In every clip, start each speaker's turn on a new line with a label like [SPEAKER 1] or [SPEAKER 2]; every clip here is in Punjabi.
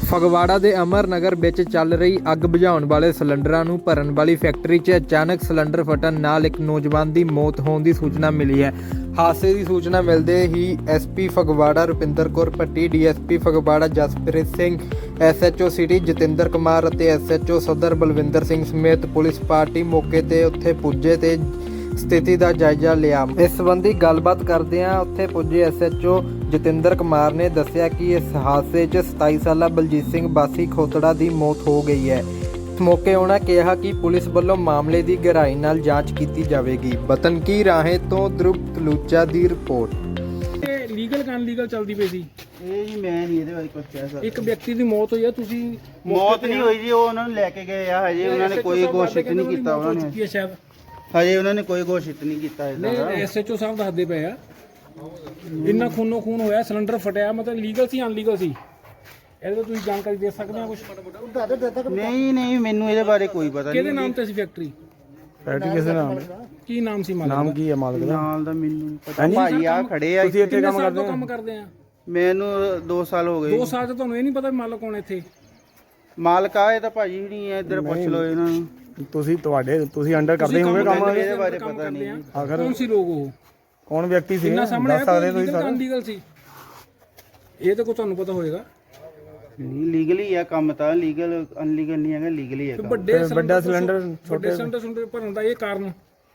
[SPEAKER 1] ਫਗਵਾੜਾ ਦੇ ਅਮਰ ਨਗਰ ਵਿੱਚ ਚੱਲ ਰਹੀ ਅੱਗ ਬੁਝਾਉਣ ਵਾਲੇ ਸਿਲੰਡਰਾਂ ਨੂੰ ਭਰਨ ਵਾਲੀ ਫੈਕਟਰੀ 'ਚ ਅਚਾਨਕ ਸਿਲੰਡਰ ਫਟਣ ਨਾਲ ਇੱਕ ਨੌਜਵਾਨ ਦੀ ਮੌਤ ਹੋਣ ਦੀ ਸੂਚਨਾ ਮਿਲੀ ਹੈ। ਹਾਦਸੇ ਦੀ ਸੂਚਨਾ ਮਿਲਦੇ ਹੀ SP Phagwara Rupinder Kaur Bhatti, DSP Phagwara Jaspreet Singh, SHO city Jatinder Kumar ਅਤੇ ਐਸਐਚਓ ਸਦਰ ਬਲਵਿੰਦਰ ਸਿੰਘ ਸਮੇਤ ਪੁਲਿਸ ਪਾਰਟੀ ਮੌਕੇ ਤੇ ਉੱਥੇ ਪੁੱਜੇ ਤੇ ਸਥਿਤੀ ਦਾ ਜਾਇਜ਼ਾ ਲਿਆ। ਇਸ ਸੰਬੰਧੀ ਗੱਲਬਾਤ ਕਰਦਿਆਂ ਉੱਥੇ ਪੁੱਜੇ ਐਸਐਚਓ ਜਤਿੰਦਰ ਕੁਮਾਰ ਨੇ ਦੱਸਿਆ ਕਿ ਇਸ ਹਾਦਸੇ 'ਚ 27 ਸਾਲਾ ਬਲਜੀਤ ਸਿੰਘ ਵਾਸੀ ਖੋਤੜਾ ਦੀ ਮੌਤ ਹੋ ਗਈ ਹੈ। ਇਸ ਮੌਕੇ ਉਹਨਾਂ ਕਿਹਾ ਕਿ ਪੁਲਿਸ ਵੱਲੋਂ ਮਾਮਲੇ ਦੀ ਗਹਿਰਾਈ ਨਾਲ ਜਾਂਚ ਕੀਤੀ ਜਾਵੇਗੀ। ਵਤਨ ਕੀ ਰਾਹੇ ਤੋਂ ਧਰੁਵ ਤਲੂਚਾ ਦੀ ਰਿਪੋਰਟ।
[SPEAKER 2] ਇਹ ਲੀਗਲ ਕਿ ਅਨਲੀਗਲ ਚੱਲਦੀ ਪਈ ਸੀ?
[SPEAKER 3] ਇਹ ਜੀ ਮੈਂ ਨਹੀਂ ਇਹਦੇ ਬਾਰੇ ਕੁਝ ਕਹਿ ਸਕਦਾ।
[SPEAKER 2] ਇੱਕ ਵਿਅਕਤੀ ਦੀ ਮੌਤ ਹੋਈ ਆ, ਤੁਸੀਂ
[SPEAKER 3] ਮੌਤ ਨਹੀਂ ਹੋਈ ਜੀ, ਉਹ ਉਹਨਾਂ ਨੂੰ ਲੈ ਕੇ ਗਏ ਆ। ਹਜੇ ਉਹਨਾਂ ਨੇ ਕੋਈ ਘੋਸ਼ਿਤ ਨਹੀਂ ਕੀਤਾ। ਉਹਨਾਂ ਨੇ
[SPEAKER 2] ਸ਼ਾਇਦ
[SPEAKER 3] ਹਜੇ ਉਹਨਾਂ ਨੇ ਕੋਈ ਘੋਸ਼ਿਤ ਨਹੀਂ ਕੀਤਾ ਇਹਦਾ।
[SPEAKER 2] ਨਹੀਂ, ਐਸਐਚਓ ਸਾਹਿਬ ਦੱਸਦੇ ਪਏ ਆ ਇੰਨਾ ਖੂਨੋ ਖੂਨ ਹੋਇਆ, ਸਿਲੰਡਰ ਫਟਿਆ, ਮਤਲਬ ਲੀਗਲ ਸੀ ਅਨਲੀਗਲ ਸੀ? ਇਹਦੇ ਤੋਂ ਤੁਸੀਂ ਜਾਣਕਾਰੀ ਦੇ ਸਕਦੇ ਹੋ ਕੁਝ?
[SPEAKER 3] ਨਹੀਂ ਮੈਨੂੰ ਇਹਦੇ ਬਾਰੇ ਕੋਈ ਪਤਾ ਨਹੀਂ।
[SPEAKER 2] ਕਿਹਦੇ ਨਾਮ ਤੇ ਸੀ ਫੈਕਟਰੀ?
[SPEAKER 4] ਫੈਕਟਰੀ ਕਿਸੇ ਨਾਮ?
[SPEAKER 2] ਕੀ ਨਾਮ ਸੀ ਮਾਲਕ
[SPEAKER 4] ਨਾਮ ਕੀ ਹੈ ਮਾਲਕ ਦਾ?
[SPEAKER 3] ਨਾਲ ਦਾ ਮੈਨੂੰ ਨਹੀਂ ਪਤਾ। ਭਾਜੀ ਆ ਖੜੇ ਆ।
[SPEAKER 4] ਤੁਸੀਂ ਇੱਥੇ ਕੰਮ ਕਰਦੇ ਹੋ?
[SPEAKER 2] ਕੰਮ ਕਰਦੇ ਆ
[SPEAKER 3] ਮੈਨੂੰ 2 ਸਾਲ ਹੋ ਗਏ।
[SPEAKER 2] 2 ਸਾਲ ਤੋਂ ਤੁਹਾਨੂੰ ਇਹ ਨਹੀਂ ਪਤਾ ਵੀ ਮਾਲਕ ਕੌਣ ਇੱਥੇ?
[SPEAKER 3] ਮਾਲਕ ਆ ਇਹ ਤਾਂ ਭਾਜੀ ਵੀ ਨਹੀਂ ਹੈ, ਇੱਧਰ ਪੁੱਛ ਲਓ ਇਹਨਾਂ ਨੂੰ।
[SPEAKER 4] ਤੁਸੀਂ ਅੰਡਰ ਕਰਦੇ ਹੋਗੇ ਕੰਮ?
[SPEAKER 3] ਇਹਦੇ ਬਾਰੇ ਪਤਾ ਨਹੀਂ।
[SPEAKER 4] ਆਖਰ
[SPEAKER 2] ਕੌਣ ਸੀ ਲੋਕ? ਉਹ
[SPEAKER 4] ਕੌਣ ਵਿਅਕਤੀ ਸੀ?
[SPEAKER 2] ਇੰਨਾ ਸਾਹਮਣੇ
[SPEAKER 4] ਦੱਸ ਸਕਦੇ ਤੁਸੀਂ ਸਾਰੇ?
[SPEAKER 2] ਅਨਲੀਗਲ ਸੀ ਇਹ ਤਾਂ ਕੋਈ ਤੁਹਾਨੂੰ ਪਤਾ ਹੋਏਗਾ।
[SPEAKER 3] ਨਹੀਂ ਲੀਗਲੀ ਆ ਕੰਮ ਤਾਂ। ਲੀਗਲ ਅਨਲੀਗਲ ਨਹੀਂ ਹੈਗਾ, ਲੀਗਲੀ ਹੈ ਕੰਮ।
[SPEAKER 4] ਵੱਡਾ ਸਿਲੰਡਰ
[SPEAKER 2] ਛੋਟੇ ਸਿਲੰਡਰ ਭਰਨ ਦਾ ਇਹ ਕਾਰਨ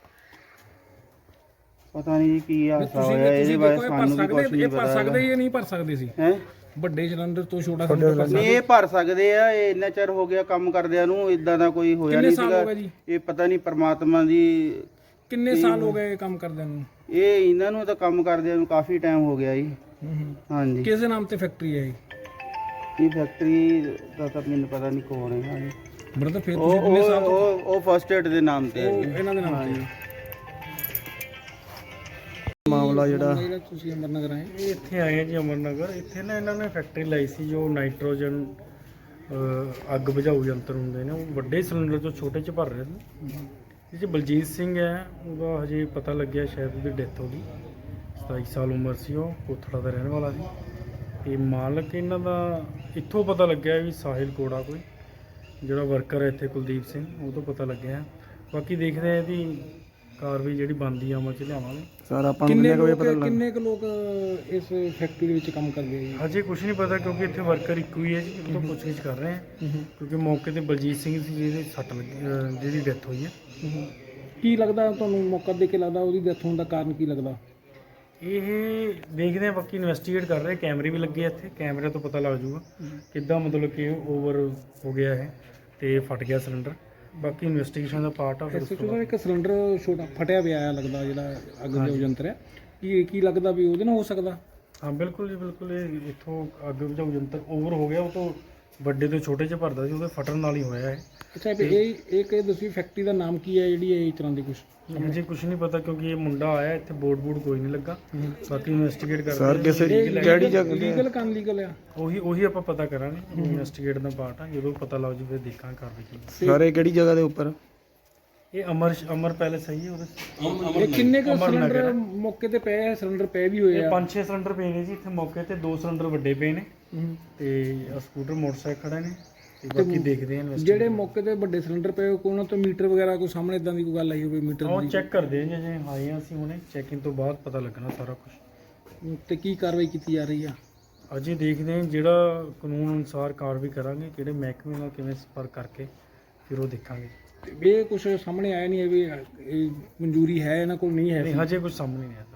[SPEAKER 3] ਪਤਾ ਨਹੀਂ ਕੀ ਹਾਦਸਾ ਹੋਇਆ ਇਹਦੇ ਬਾਰੇ ਸਾਨੂੰ ਵੀ ਕੁਝ ਨਹੀਂ
[SPEAKER 2] ਭਰ
[SPEAKER 3] ਪਤਾ।
[SPEAKER 2] ਸਕਦੇ ਇਹ ਨਹੀਂ ਭਰ ਸਕਦੇ ਸੀ?
[SPEAKER 3] ਹੈ
[SPEAKER 2] ਵੱਡੇ ਸਿਲੰਡਰ ਤੋਂ ਛੋਟਾ ਸਿਲੰਡਰ
[SPEAKER 3] ਨਹੀਂ ਇਹ ਭਰ ਸਕਦੇ ਆ। ਇਹ ਇੰਨਾ ਚਿਰ ਹੋ ਗਿਆ ਕੰਮ ਕਰਦਿਆਂ ਨੂੰ, ਇਦਾਂ ਦਾ ਕੋਈ ਹੋਇਆ ਨਹੀਂ
[SPEAKER 2] ਸਾਲ
[SPEAKER 3] ਸੀਗਾ।
[SPEAKER 2] ਹੋ ਗਏ ਜੀ?
[SPEAKER 3] ਇਹ ਪਤਾ ਨਹੀਂ ਪਰਮਾਤਮਾ ਦੀ।
[SPEAKER 2] ਕਿੰਨੇ ਸਾਲ ਹੋ ਗਏ ਇਹ ਕੰਮ ਕਰਦਿਆਂ ਨੂੰ?
[SPEAKER 3] ਇਹ ਇਹਨਾਂ ਨੂੰ ਤਾਂ ਕੰਮ ਕਰਦਿਆਂ ਨੂੰ ਕਾਫੀ ਟਾਈਮ ਹੋ ਗਿਆ ਜੀ। ਹਾਂਜੀ।
[SPEAKER 2] ਕਿਸ ਦੇ ਨਾਮ ਤੇ ਫੈਕਟਰੀ ਹੈ
[SPEAKER 3] ਇਹ ਫੈਕਟਰੀ ਦਾ ਤਾਂ ਮੈਨੂੰ ਪਤਾ ਨਹੀਂ ਕੌਣ ਹੈ। ਹਾਂਜੀ।
[SPEAKER 2] ਬ੍ਰਦਰ ਫਿਰ ਤੁਸੀਂ ਕਿੰਨੇ ਸਾਲ ਤੋਂ
[SPEAKER 3] ਉਹ ਫਸਟ ਏਡ ਦੇ ਨਾਮ ਤੇ ਹੈ ਜੀ।
[SPEAKER 2] ਇਹਨਾਂ ਦੇ ਨਾਮ ਤੇ
[SPEAKER 4] ਮਾਮਲਾ ਜਿਹੜਾ
[SPEAKER 2] ਤੁਸੀਂ ਅਮਰ ਨਗਰ ਆਏ?
[SPEAKER 5] ਇਹ ਇੱਥੇ ਆਏ ਆ ਜੀ ਅਮਰ ਨਗਰ। ਇੱਥੇ ਨਾ ਇਹਨਾਂ ਨੇ ਫੈਕਟਰੀ ਲਾਈ ਸੀ ਜੋ ਨਾਈਟ੍ਰੋਜਨ ਅੱਗ ਬੁਝਾਊ ਯੰਤਰ ਹੁੰਦੇ ਨੇ, ਉਹ ਵੱਡੇ ਸਿਲੰਡਰ ਤੋਂ ਛੋਟੇ 'ਚ ਭਰ ਰਹੇ ਨੇ। ਇਹ 'ਚ ਬਲਜੀਤ ਸਿੰਘ ਹੈ, ਉਹਦਾ ਹਜੇ ਪਤਾ ਲੱਗਿਆ ਸ਼ਾਇਦ ਉਹਦੀ ਡੈਥ ਹੋ ਗਈ। 27 ਸਾਲ ਉਮਰ ਸੀ, ਉਹ ਕੋਥੜਾ ਦਾ ਰਹਿਣ ਵਾਲਾ ਸੀ। ਤੇ ਮਾਲਕ ਇਹਨਾਂ ਦਾ ਇੱਥੋਂ ਪਤਾ ਲੱਗਿਆ ਵੀ ਸਾਹਿਲ ਕੋੜਾ ਕੋਈ ਜਿਹੜਾ ਵਰਕਰ ਹੈ ਇੱਥੇ ਕੁਲਦੀਪ ਸਿੰਘ, ਉਹ ਤੋਂ ਪਤਾ ਲੱਗਿਆ। ਬਾਕੀ ਦੇਖਦੇ ਆ ਇਹਦੀ ਕਾਰਵਾਈ ਜਿਹੜੀ ਬਣਦੀ ਆ ਅਮਲ 'ਚ ਲਿਆਵਾਂਗੇ।
[SPEAKER 4] ਸਰ ਆਪਾਂ ਨੂੰ ਕਿੰਨੇ ਕੁ ਵਜੇ ਪਤਾ ਲੱਗਾ?
[SPEAKER 2] ਕਿੰਨੇ ਕੁ ਲੋਕ ਇਸ ਫੈਕਟਰੀ ਦੇ ਵਿੱਚ ਕੰਮ ਕਰਦੇ ਆ ਜੀ?
[SPEAKER 5] ਹਜੇ ਕੁਝ ਨਹੀਂ ਪਤਾ ਕਿਉਂਕਿ ਇੱਥੇ ਵਰਕਰ ਇੱਕੋ ਹੀ ਹੈ ਜੀ। ਉਹ ਤੋਂ ਪੁੱਛਗਿੱਛ ਕਰ ਰਹੇ ਆ ਕਿਉਂਕਿ ਮੌਕੇ ਤੇ ਬਲਜੀਤ ਸਿੰਘ ਸੀ ਜਿਹਦੀ ਸੱਟ ਲੱਗੀ, ਜਿਹਦੀ ਡੈਥ ਹੋਈ ਹੈ।
[SPEAKER 2] ਕੀ ਲੱਗਦਾ ਤੁਹਾਨੂੰ, ਮੌਕਾ ਦੇ ਕੇ ਲੱਗਦਾ ਉਹਦੀ ਡੈਥ ਹੋਣ ਦਾ ਕਾਰਨ ਕੀ ਲੱਗਦਾ?
[SPEAKER 5] ਇਹ ਦੇਖਦੇ ਆ, ਬਾਕੀ ਇਨਵੈਸਟੀਗੇਟ ਕਰ ਰਹੇ। ਕੈਮਰੇ ਵੀ ਲੱਗੇ ਆ ਇੱਥੇ, ਕੈਮਰੇ ਤੋਂ ਪਤਾ ਲੱਗ ਜਾਊਗਾ ਕਿੱਦਾਂ ਮਤਲਬ ਕਿ ਓਵਰ ਹੋ ਗਿਆ ਹੈ ਤੇ ਫਟ ਗਿਆ ਸਿਲੰਡਰ। ਬਾਕੀ ਇਨਵੈਸਟੀਗੇਸ਼ਨ ਦਾ ਪਾਰਟ ਆ। ਫਿਰ ਉਸ ਤੋਂ ਬਾਅਦ
[SPEAKER 2] ਇੱਕ ਸਿਲੰਡਰ ਛੋਟਾ ਫਟਿਆ ਪਿਆ ਆ ਲੱਗਦਾ, ਜਿਹੜਾ ਅੱਗ ਦਾ ਯੰਤਰ ਹੈ, ਕੀ ਲੱਗਦਾ ਵੀ ਉਹਦੇ ਨਾਲ ਹੋ ਸਕਦਾ?
[SPEAKER 5] ਹਾਂ ਬਿਲਕੁਲ ਜੀ ਬਿਲਕੁਲ। ਇਹ ਇੱਥੋਂ ਅੱਗ ਬੁਝਾਊ ਯੰਤਰ ਓਵਰ ਹੋ ਗਿਆ, ਉਹ ਤੋਂ ਵੱਡੇ ਤੋਂ ਛੋਟੇ 'ਚ ਭਰਦਾ ਸੀ, ਉਹਦੇ ਫਟਣ ਨਾਲ ਹੀ ਹੋਇਆ ਹੈ।
[SPEAKER 2] ਅੱਛਾ, ਵੀ ਇਹ ਦੱਸੀ ਫੈਕਟਰੀ ਦਾ ਨਾਮ ਕੀ ਹੈ ਜਿਹੜੀ ਇਹ ਇਸ ਤਰ੍ਹਾਂ ਦੀ ਕੁਝ?
[SPEAKER 5] ਮੁझे कुछ नहीं पता क्योंकि ये मुंडा आया इतने बोर्ड कोई नहीं लगा। बाकी इन्वेस्टिगेट कर
[SPEAKER 4] ਸਰ ਕਿਸੇ ਕਿਹੜੀ ਜਗ੍ਹਾ
[SPEAKER 2] ਲੀਗਲ ਕਿ ਅਨਲੀਗਲ ਆ?
[SPEAKER 5] ਉਹੀ ਆਪਾਂ ਪਤਾ ਕਰਾਂਗੇ। ਇਨਵੈਸਟੀਗੇਟ ਦਾ ਪਾਰਟ ਆ, ਜਦੋਂ ਪਤਾ ਲੱਗ ਜੂ ਫਿਰ ਦੇਖਾਂਗੇ ਕਾਰਵਾਈ ਕੀ।
[SPEAKER 4] ਸਰ ਇਹ ਕਿਹੜੀ ਜਗ੍ਹਾ ਦੇ ਉੱਪਰ?
[SPEAKER 5] ਇਹ ਅਮਰ ਪੈਲੇਸ ਹੈ ਜੀ ਉਹਦੇ।
[SPEAKER 2] ਇਹ ਕਿੰਨੇ ਕੁ ਸਿਲੰਡਰ ਮੌਕੇ ਤੇ ਪਏ ਆ? ਸਿਲੰਡਰ ਪਏ ਵੀ ਹੋਏ
[SPEAKER 5] ਇਹ
[SPEAKER 2] ਆ?
[SPEAKER 5] 5-6 ਸਿਲੰਡਰ ਪਏ ਨੇ ਜੀ ਇੱਥੇ ਮੌਕੇ ਤੇ। 2 ਸਿਲੰਡਰ ਵੱਡੇ ਪਏ ਨੇ ਤੇ ਸਕੂਟਰ ਮੋਟਰਸਾਈਕਲ ਖੜਾ ਨੇ ਤੇ ਬਾਕੀ ਦੇਖਦੇ ਆ।
[SPEAKER 2] ਜਿਹੜੇ ਮੌਕੇ ਤੇ ਵੱਡੇ ਸਿਲੰਡਰ ਪਏ ਉਹਨਾਂ ਤੋਂ ਮੀਟਰ ਵਗੈਰਾ ਕੋਈ ਸਾਹਮਣੇ ਇਦਾਂ ਦੀ ਕੋਈ ਗੱਲ ਆਈ ਹੋਵੇ? ਮੀਟਰ
[SPEAKER 5] ਉਹ ਚੈੱਕ ਕਰਦੇ ਆ ਜੇ ਆਏ ਆ ਅਸੀਂ ਹੁਣੇ। ਚੈਕਿੰਗ ਤੋਂ ਬਾਅਦ ਪਤਾ ਲੱਗਣਾ ਸਾਰਾ ਕੁਝ।
[SPEAKER 2] ਤੇ ਕੀ ਕਾਰਵਾਈ ਕੀਤੀ ਜਾ ਰਹੀ ਆ?
[SPEAKER 5] ਅਜੇ ਦੇਖਦੇ ਆ, ਜਿਹੜਾ ਕਾਨੂੰਨ ਅਨੁਸਾਰ ਕਾਰਵਾਈ ਕਰਾਂਗੇ। ਕਿਹੜੇ ਮਹਿਕਮੇ ਨਾਲ ਕਿਵੇਂ ਸੰਪਰਕ ਕਰਕੇ ਫਿਰ ਉਹ ਦੇਖਾਂਗੇ।
[SPEAKER 2] ਇਹ ਕੁਝ ਸਾਹਮਣੇ ਆਇਆ ਨਹੀਂ ਹੈ ਵੀ ਇਹ ਮਨਜ਼ੂਰੀ ਹੈ ਇਹਨਾਂ ਕੋਲ, ਨਹੀਂ ਹੈ?
[SPEAKER 5] ਨਹੀਂ ਹਜੇ ਕੁਝ ਸਾਹਮਣੇ ਨਹੀਂ ਆਇਆ।